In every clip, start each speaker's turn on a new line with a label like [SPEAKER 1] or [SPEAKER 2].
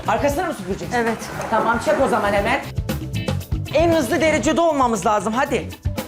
[SPEAKER 1] Arkasına mı süpüreceksin?
[SPEAKER 2] Evet.
[SPEAKER 1] Tamam, çek o zaman hemen. En hızlı derecede olmamız lazım, hadi.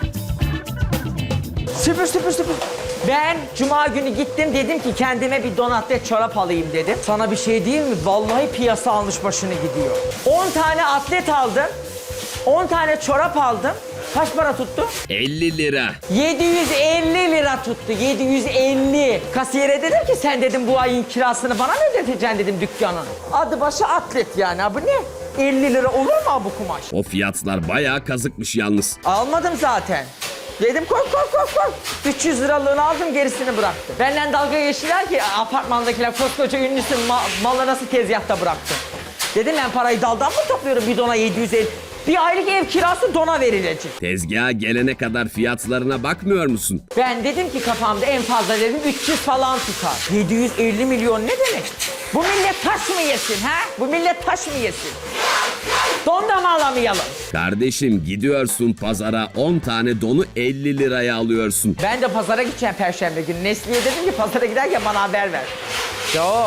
[SPEAKER 1] Süpür, süpür, süpür. Ben cuma günü gittim, dedim ki kendime bir don atlet çorap alayım dedim. Sana bir şey değil mi? Vallahi piyasa almış başını gidiyor. 10 tane atlet aldım. 10 tane çorap aldım. Kaç para tuttu?
[SPEAKER 3] 50 lira.
[SPEAKER 1] 750 lira tuttu, 750. Kasiyere dedim ki sen dedim bu ayın kirasını bana mı ödeteceksin dedim dükkanın. Adı başı atlet yani, ha bu ne? 50 lira olur mu bu kumaş?
[SPEAKER 3] O fiyatlar bayağı kazıkmış yalnız.
[SPEAKER 1] Almadım zaten. Dedim koy koy koy koy. 300 liralığını aldım, gerisini bıraktım. Benden dalga geçtiler ki apartmandakiler koskoca ünlüsün, malı nasıl tezgahta bıraktın? Dedim ben parayı daldan mı topluyorum, bir dona 750. Bir aylık ev kirası dona verilecek.
[SPEAKER 3] Tezgaha gelene kadar fiyatlarına bakmıyor musun?
[SPEAKER 1] Ben dedim ki kafamda en fazla dedim 300 falan tutar. 750 milyon ne demek? Bu millet taş mı yesin ha? Bu millet taş mı yesin? Don da mı alamayalım?
[SPEAKER 3] Kardeşim gidiyorsun pazara 10 tane donu 50 liraya alıyorsun.
[SPEAKER 1] Ben de pazara gideceğim perşembe günü. Nesli'ye dedim ki pazara giderken bana haber ver. Yok.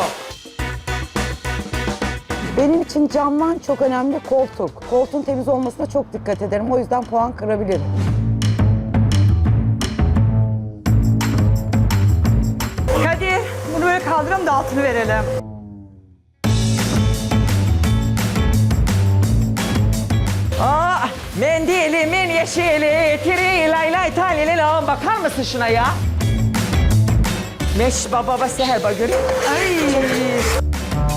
[SPEAKER 4] Benim için camdan çok önemli koltuk. Koltuğun temiz olmasına çok dikkat ederim. O yüzden puan kırabilirim.
[SPEAKER 2] Kadir, bunu böyle kaldıralım da altını verelim.
[SPEAKER 1] Mendilimin yeşili, tiri lay lay talili lan. Bakar mısın şuna ya? Meş baba seher bak görüyor musun?
[SPEAKER 2] Ay.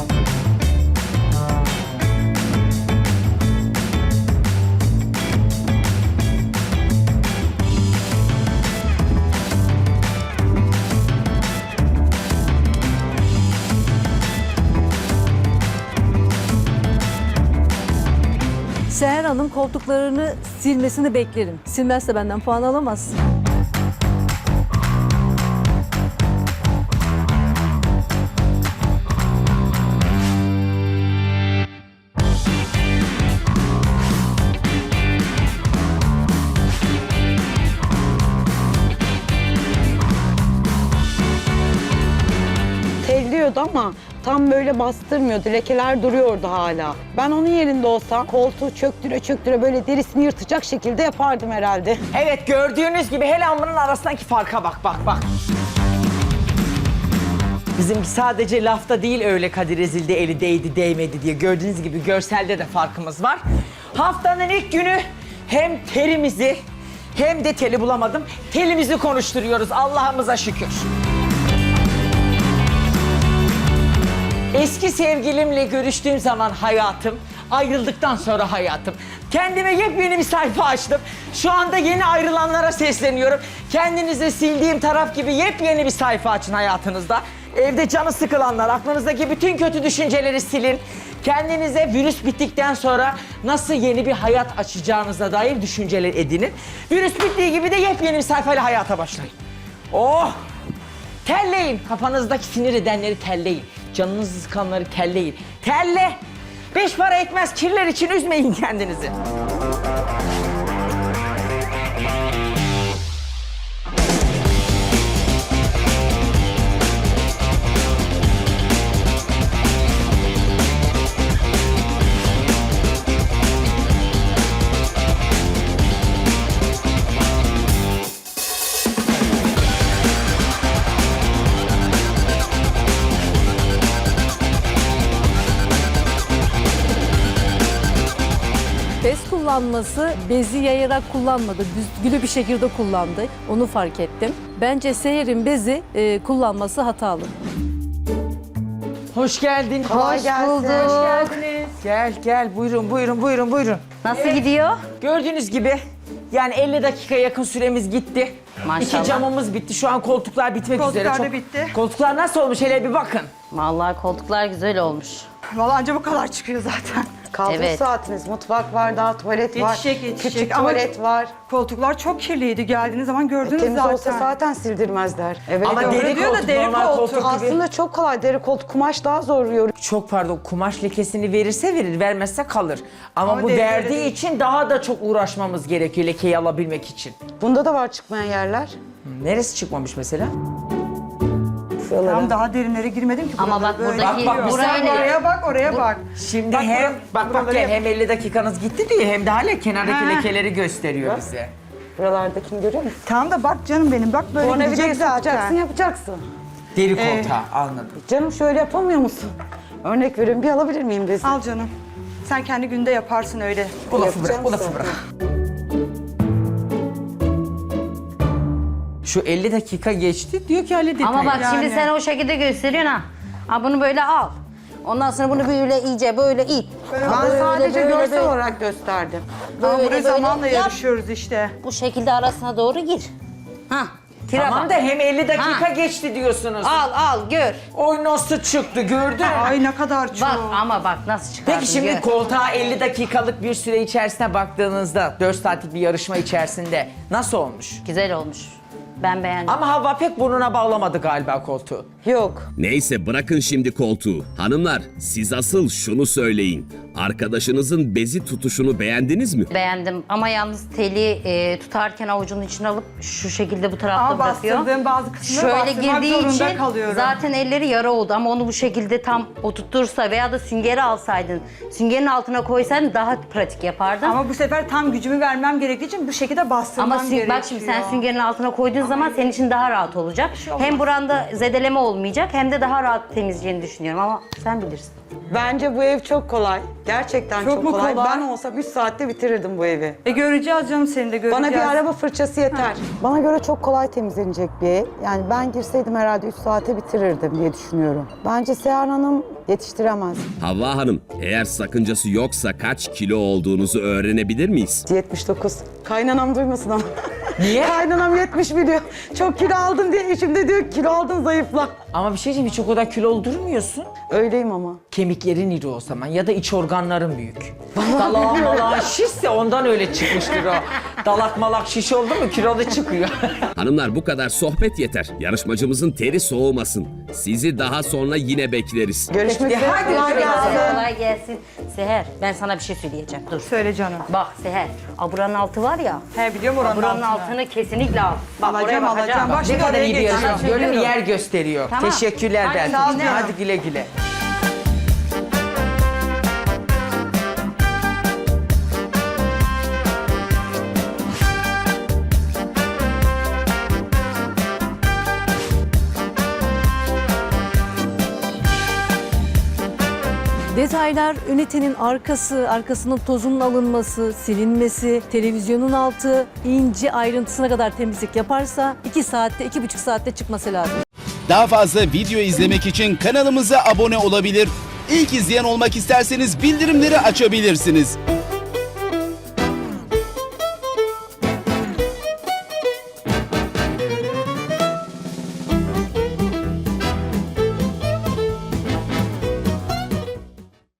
[SPEAKER 5] Seher Hanım koltuklarını silmesini beklerim. Silmezse benden puan alamaz.
[SPEAKER 4] Telliyordu ama tam böyle bastırmıyordu. Lekeler duruyordu hala. Ben onun yerinde olsam koltuğu çöktüre çöktüre böyle derisini yırtacak şekilde yapardım herhalde.
[SPEAKER 1] Evet, gördüğünüz gibi helambının arasındaki farka bak bak bak. Bizimki sadece lafta değil öyle Kadir ezildi, eli değdi değmedi diye. Gördüğünüz gibi görselde de farkımız var. Haftanın ilk günü hem terimizi hem de teli bulamadım. Telimizi konuşturuyoruz Allah'ımıza şükür. Eski sevgilimle görüştüğüm zaman hayatım, ayrıldıktan sonra hayatım. Kendime yepyeni bir sayfa açtım. Şu anda yeni ayrılanlara sesleniyorum. Kendinize sildiğim taraf gibi yepyeni bir sayfa açın hayatınızda. Evde canı sıkılanlar, aklınızdaki bütün kötü düşünceleri silin. Kendinize virüs bittikten sonra nasıl yeni bir hayat açacağınıza dair düşünceler edinin. Virüs bittiği gibi de yepyeni bir sayfayla hayata başlayın. Oh! Terleyin. Kafanızdaki sinir edenleri terleyin. Canınızı sıkanları terleyin. Terle! 5 para etmez kirler için üzmeyin kendinizi.
[SPEAKER 5] Bez kullanması bezi yayarak kullanmadı. Düzgün bir şekilde kullandı. Onu fark ettim. Bence Seher'in bezi kullanması hatalı.
[SPEAKER 1] Hoş geldin.
[SPEAKER 4] Kolay gelsin.
[SPEAKER 1] Hoş geldiniz. Gel gel buyurun buyurun buyurun buyurun.
[SPEAKER 6] Nasıl gidiyor?
[SPEAKER 1] Gördüğünüz gibi yani 50 dakika yakın süremiz gitti.
[SPEAKER 6] Maşallah.
[SPEAKER 1] 2 camımız bitti. Şu an koltuklar bitmek üzere.
[SPEAKER 2] Koltuklar da bitti.
[SPEAKER 1] Koltuklar nasıl olmuş hele bir bakın.
[SPEAKER 6] Vallahi koltuklar güzel olmuş.
[SPEAKER 2] Vallahi anca bu kadar çıkıyor zaten.
[SPEAKER 4] Kaldı
[SPEAKER 6] Evet.
[SPEAKER 4] saatiniz. Mutfak var, daha tuvalet var.
[SPEAKER 2] Yetişecek.
[SPEAKER 4] Küçük
[SPEAKER 2] Ama
[SPEAKER 4] tuvalet var.
[SPEAKER 2] koltuklar çok kirliydi. Geldiğiniz zaman gördünüz
[SPEAKER 4] Temiz
[SPEAKER 2] zaten.
[SPEAKER 4] olsa zaten sildirmezler. Evet.
[SPEAKER 1] Ama
[SPEAKER 2] doğru
[SPEAKER 1] deri
[SPEAKER 2] diyor da
[SPEAKER 1] koltuk,
[SPEAKER 2] deri
[SPEAKER 1] normal
[SPEAKER 2] koltuk.
[SPEAKER 1] koltuk gibi.
[SPEAKER 4] aslında çok kolay. Deri koltuk, kumaş daha zor yoruyor.
[SPEAKER 1] Çok pardon, kumaş lekesini verirse verir, vermezse kalır. Ama bu
[SPEAKER 2] deri
[SPEAKER 1] verdiği
[SPEAKER 2] değil.
[SPEAKER 1] için daha da çok uğraşmamız gerekiyor lekeyi alabilmek için.
[SPEAKER 4] Bunda da var çıkmayan yerler.
[SPEAKER 1] Neresi çıkmamış mesela?
[SPEAKER 2] Tam daha derinlere girmedim ki.
[SPEAKER 6] Ama
[SPEAKER 2] buraları
[SPEAKER 6] bak
[SPEAKER 2] böyle
[SPEAKER 6] buradaki-
[SPEAKER 2] gidiyor.
[SPEAKER 6] burayı-
[SPEAKER 2] Sen oraya bak, oraya bak.
[SPEAKER 1] Şimdi
[SPEAKER 2] Bak,
[SPEAKER 1] hem
[SPEAKER 2] bura-
[SPEAKER 1] bak
[SPEAKER 2] buraları
[SPEAKER 1] gel
[SPEAKER 2] yap-
[SPEAKER 1] hem 50 dakikanız gitti diyor hem de hala kenardaki
[SPEAKER 2] Ha.
[SPEAKER 1] lekeleri gösteriyor bize.
[SPEAKER 4] Buralardakini görüyor musun?
[SPEAKER 2] Tamam da bak canım benim, bak böyle
[SPEAKER 4] Sonra bir de
[SPEAKER 2] gidecek
[SPEAKER 4] yapacaksın,
[SPEAKER 2] zaten.
[SPEAKER 4] yapacaksın.
[SPEAKER 1] Deri koltuğa anladım.
[SPEAKER 4] Canım şöyle yapamıyor musun? Örnek veriyorum, bir alabilir miyim bezi?
[SPEAKER 2] Al canım. Sen kendi günde yaparsın öyle.
[SPEAKER 1] Bu lafı bırak,
[SPEAKER 4] Yapacağım
[SPEAKER 1] bu lafı
[SPEAKER 4] zaten.
[SPEAKER 1] bırak. Şu 50 dakika geçti diyor ki halledin.
[SPEAKER 6] Ama bak
[SPEAKER 2] Yani.
[SPEAKER 6] şimdi sen o şekilde gösteriyorsun ha. Ha bunu böyle al. Ondan sonra bunu böyle iyice böyle it.
[SPEAKER 4] Ben sadece görsel olarak gösterdim.
[SPEAKER 2] Ama
[SPEAKER 6] Böyle,
[SPEAKER 2] buraya
[SPEAKER 6] böyle
[SPEAKER 2] zamanla
[SPEAKER 6] yap.
[SPEAKER 2] yarışıyoruz işte.
[SPEAKER 6] Bu şekilde arasına doğru gir. Ha. Tire
[SPEAKER 1] Tamam
[SPEAKER 6] bak.
[SPEAKER 1] da hem 50 dakika
[SPEAKER 6] Ha.
[SPEAKER 1] geçti diyorsunuz.
[SPEAKER 6] Al gör.
[SPEAKER 1] Oy nasıl çıktı gördün mü?
[SPEAKER 2] Ay ne kadar çok.
[SPEAKER 6] Bak ama bak nasıl çıkardın.
[SPEAKER 1] Peki şimdi
[SPEAKER 6] gör.
[SPEAKER 1] koltuğa 50 dakikalık bir süre içerisine baktığınızda 4 saatlik bir yarışma içerisinde nasıl olmuş?
[SPEAKER 6] Güzel olmuş. Ben beğendim.
[SPEAKER 1] Ama Havva pek burnuna bağlamadı galiba koltuğu.
[SPEAKER 4] Yok.
[SPEAKER 3] Neyse bırakın şimdi koltuğu. Hanımlar siz asıl şunu söyleyin. Arkadaşınızın bezi tutuşunu beğendiniz mi?
[SPEAKER 6] Beğendim ama yalnız teli tutarken avucunun içine alıp şu şekilde bu tarafta
[SPEAKER 2] Ama
[SPEAKER 6] bırakıyor.
[SPEAKER 2] bastırdığım bazı kısımları
[SPEAKER 6] Şöyle
[SPEAKER 2] bastırmak
[SPEAKER 6] girdiği
[SPEAKER 2] zorunda
[SPEAKER 6] için
[SPEAKER 2] kalıyorum.
[SPEAKER 6] zaten elleri yara oldu ama onu bu şekilde tam oturtursa veya da süngeri alsaydın, süngerin altına koysaydın daha pratik yapardın.
[SPEAKER 2] Ama bu sefer tam gücümü vermem gerektiği için bu şekilde bastırmam
[SPEAKER 6] Ama
[SPEAKER 2] gerekiyor.
[SPEAKER 6] bak şimdi sen süngerin altına koyduğun zaman senin için daha rahat olacak. Hem buranda zedeleme olmayacak hem de daha rahat temizleyeceğini düşünüyorum ama sen bilirsin.
[SPEAKER 4] Bence bu ev çok kolay. Gerçekten
[SPEAKER 2] Çok
[SPEAKER 4] çok,
[SPEAKER 2] mu
[SPEAKER 4] kolay.
[SPEAKER 2] kolay?
[SPEAKER 4] Ben olsam 3 saatte bitirirdim bu evi.
[SPEAKER 2] Göreceğiz canım, seni de göreceğiz.
[SPEAKER 4] Bana bir araba fırçası yeter. Bana göre çok kolay temizlenecek bir ev. Yani ben girseydim herhalde 3 saate bitirirdim diye düşünüyorum. Bence Seher Hanım yetiştiremez.
[SPEAKER 3] Havva Hanım, eğer sakıncası yoksa kaç kilo olduğunuzu öğrenebilir miyiz?
[SPEAKER 4] 79. Kaynanam duymasın ama.
[SPEAKER 1] Niye?
[SPEAKER 4] Kaynanam 70 biliyor. Çok kilo aldım diye eşim de diyor ki kilo aldın zayıfla.
[SPEAKER 1] Ama bir şey diyeyim hiç o kadar kilolu durmuyorsun.
[SPEAKER 4] Öyleyim ama.
[SPEAKER 1] Kemiklerin iri o zaman ya da iç organların büyük. Dalağın malağın şişse ondan öyle çıkmıştır o. Dalak malak şiş oldu mu kilolu çıkıyor.
[SPEAKER 3] Hanımlar bu kadar sohbet yeter. Yarışmacımızın teri soğumasın. Sizi daha sonra yine bekleriz.
[SPEAKER 4] Görüşmek üzere.
[SPEAKER 1] Hadi
[SPEAKER 4] Kolay
[SPEAKER 1] görüşürüz.
[SPEAKER 4] gelsin.
[SPEAKER 6] Kolay gelsin. Seher ben sana bir şey söyleyeceğim. Dur.
[SPEAKER 2] Söyle canım.
[SPEAKER 6] Bak Seher, aburanın altı var ya.
[SPEAKER 2] He biliyorum oranın
[SPEAKER 6] Buranın
[SPEAKER 2] altını.
[SPEAKER 6] altını kesinlikle al. Bak
[SPEAKER 2] Alacağım,
[SPEAKER 6] oraya bakacağım.
[SPEAKER 2] alacağım. Bak
[SPEAKER 1] Ne
[SPEAKER 2] şimdi
[SPEAKER 1] kadar
[SPEAKER 2] oraya
[SPEAKER 1] iyi bir yarışma.
[SPEAKER 2] geçeceğim.
[SPEAKER 1] Gördün mü yer gösteriyor.
[SPEAKER 6] Tamam.
[SPEAKER 1] Teşekkürler
[SPEAKER 6] Hadi
[SPEAKER 1] ben.
[SPEAKER 6] sağ ol canım.
[SPEAKER 1] Hadi güle güle.
[SPEAKER 5] Detaylar ünitenin arkasının tozunun alınması, silinmesi, televizyonun altı, ince ayrıntısına kadar temizlik yaparsa 2 saatte, 2,5 saatte çıkması lazım.
[SPEAKER 7] Daha fazla video izlemek için kanalımıza abone olabilir. İlk izleyen olmak isterseniz bildirimleri açabilirsiniz.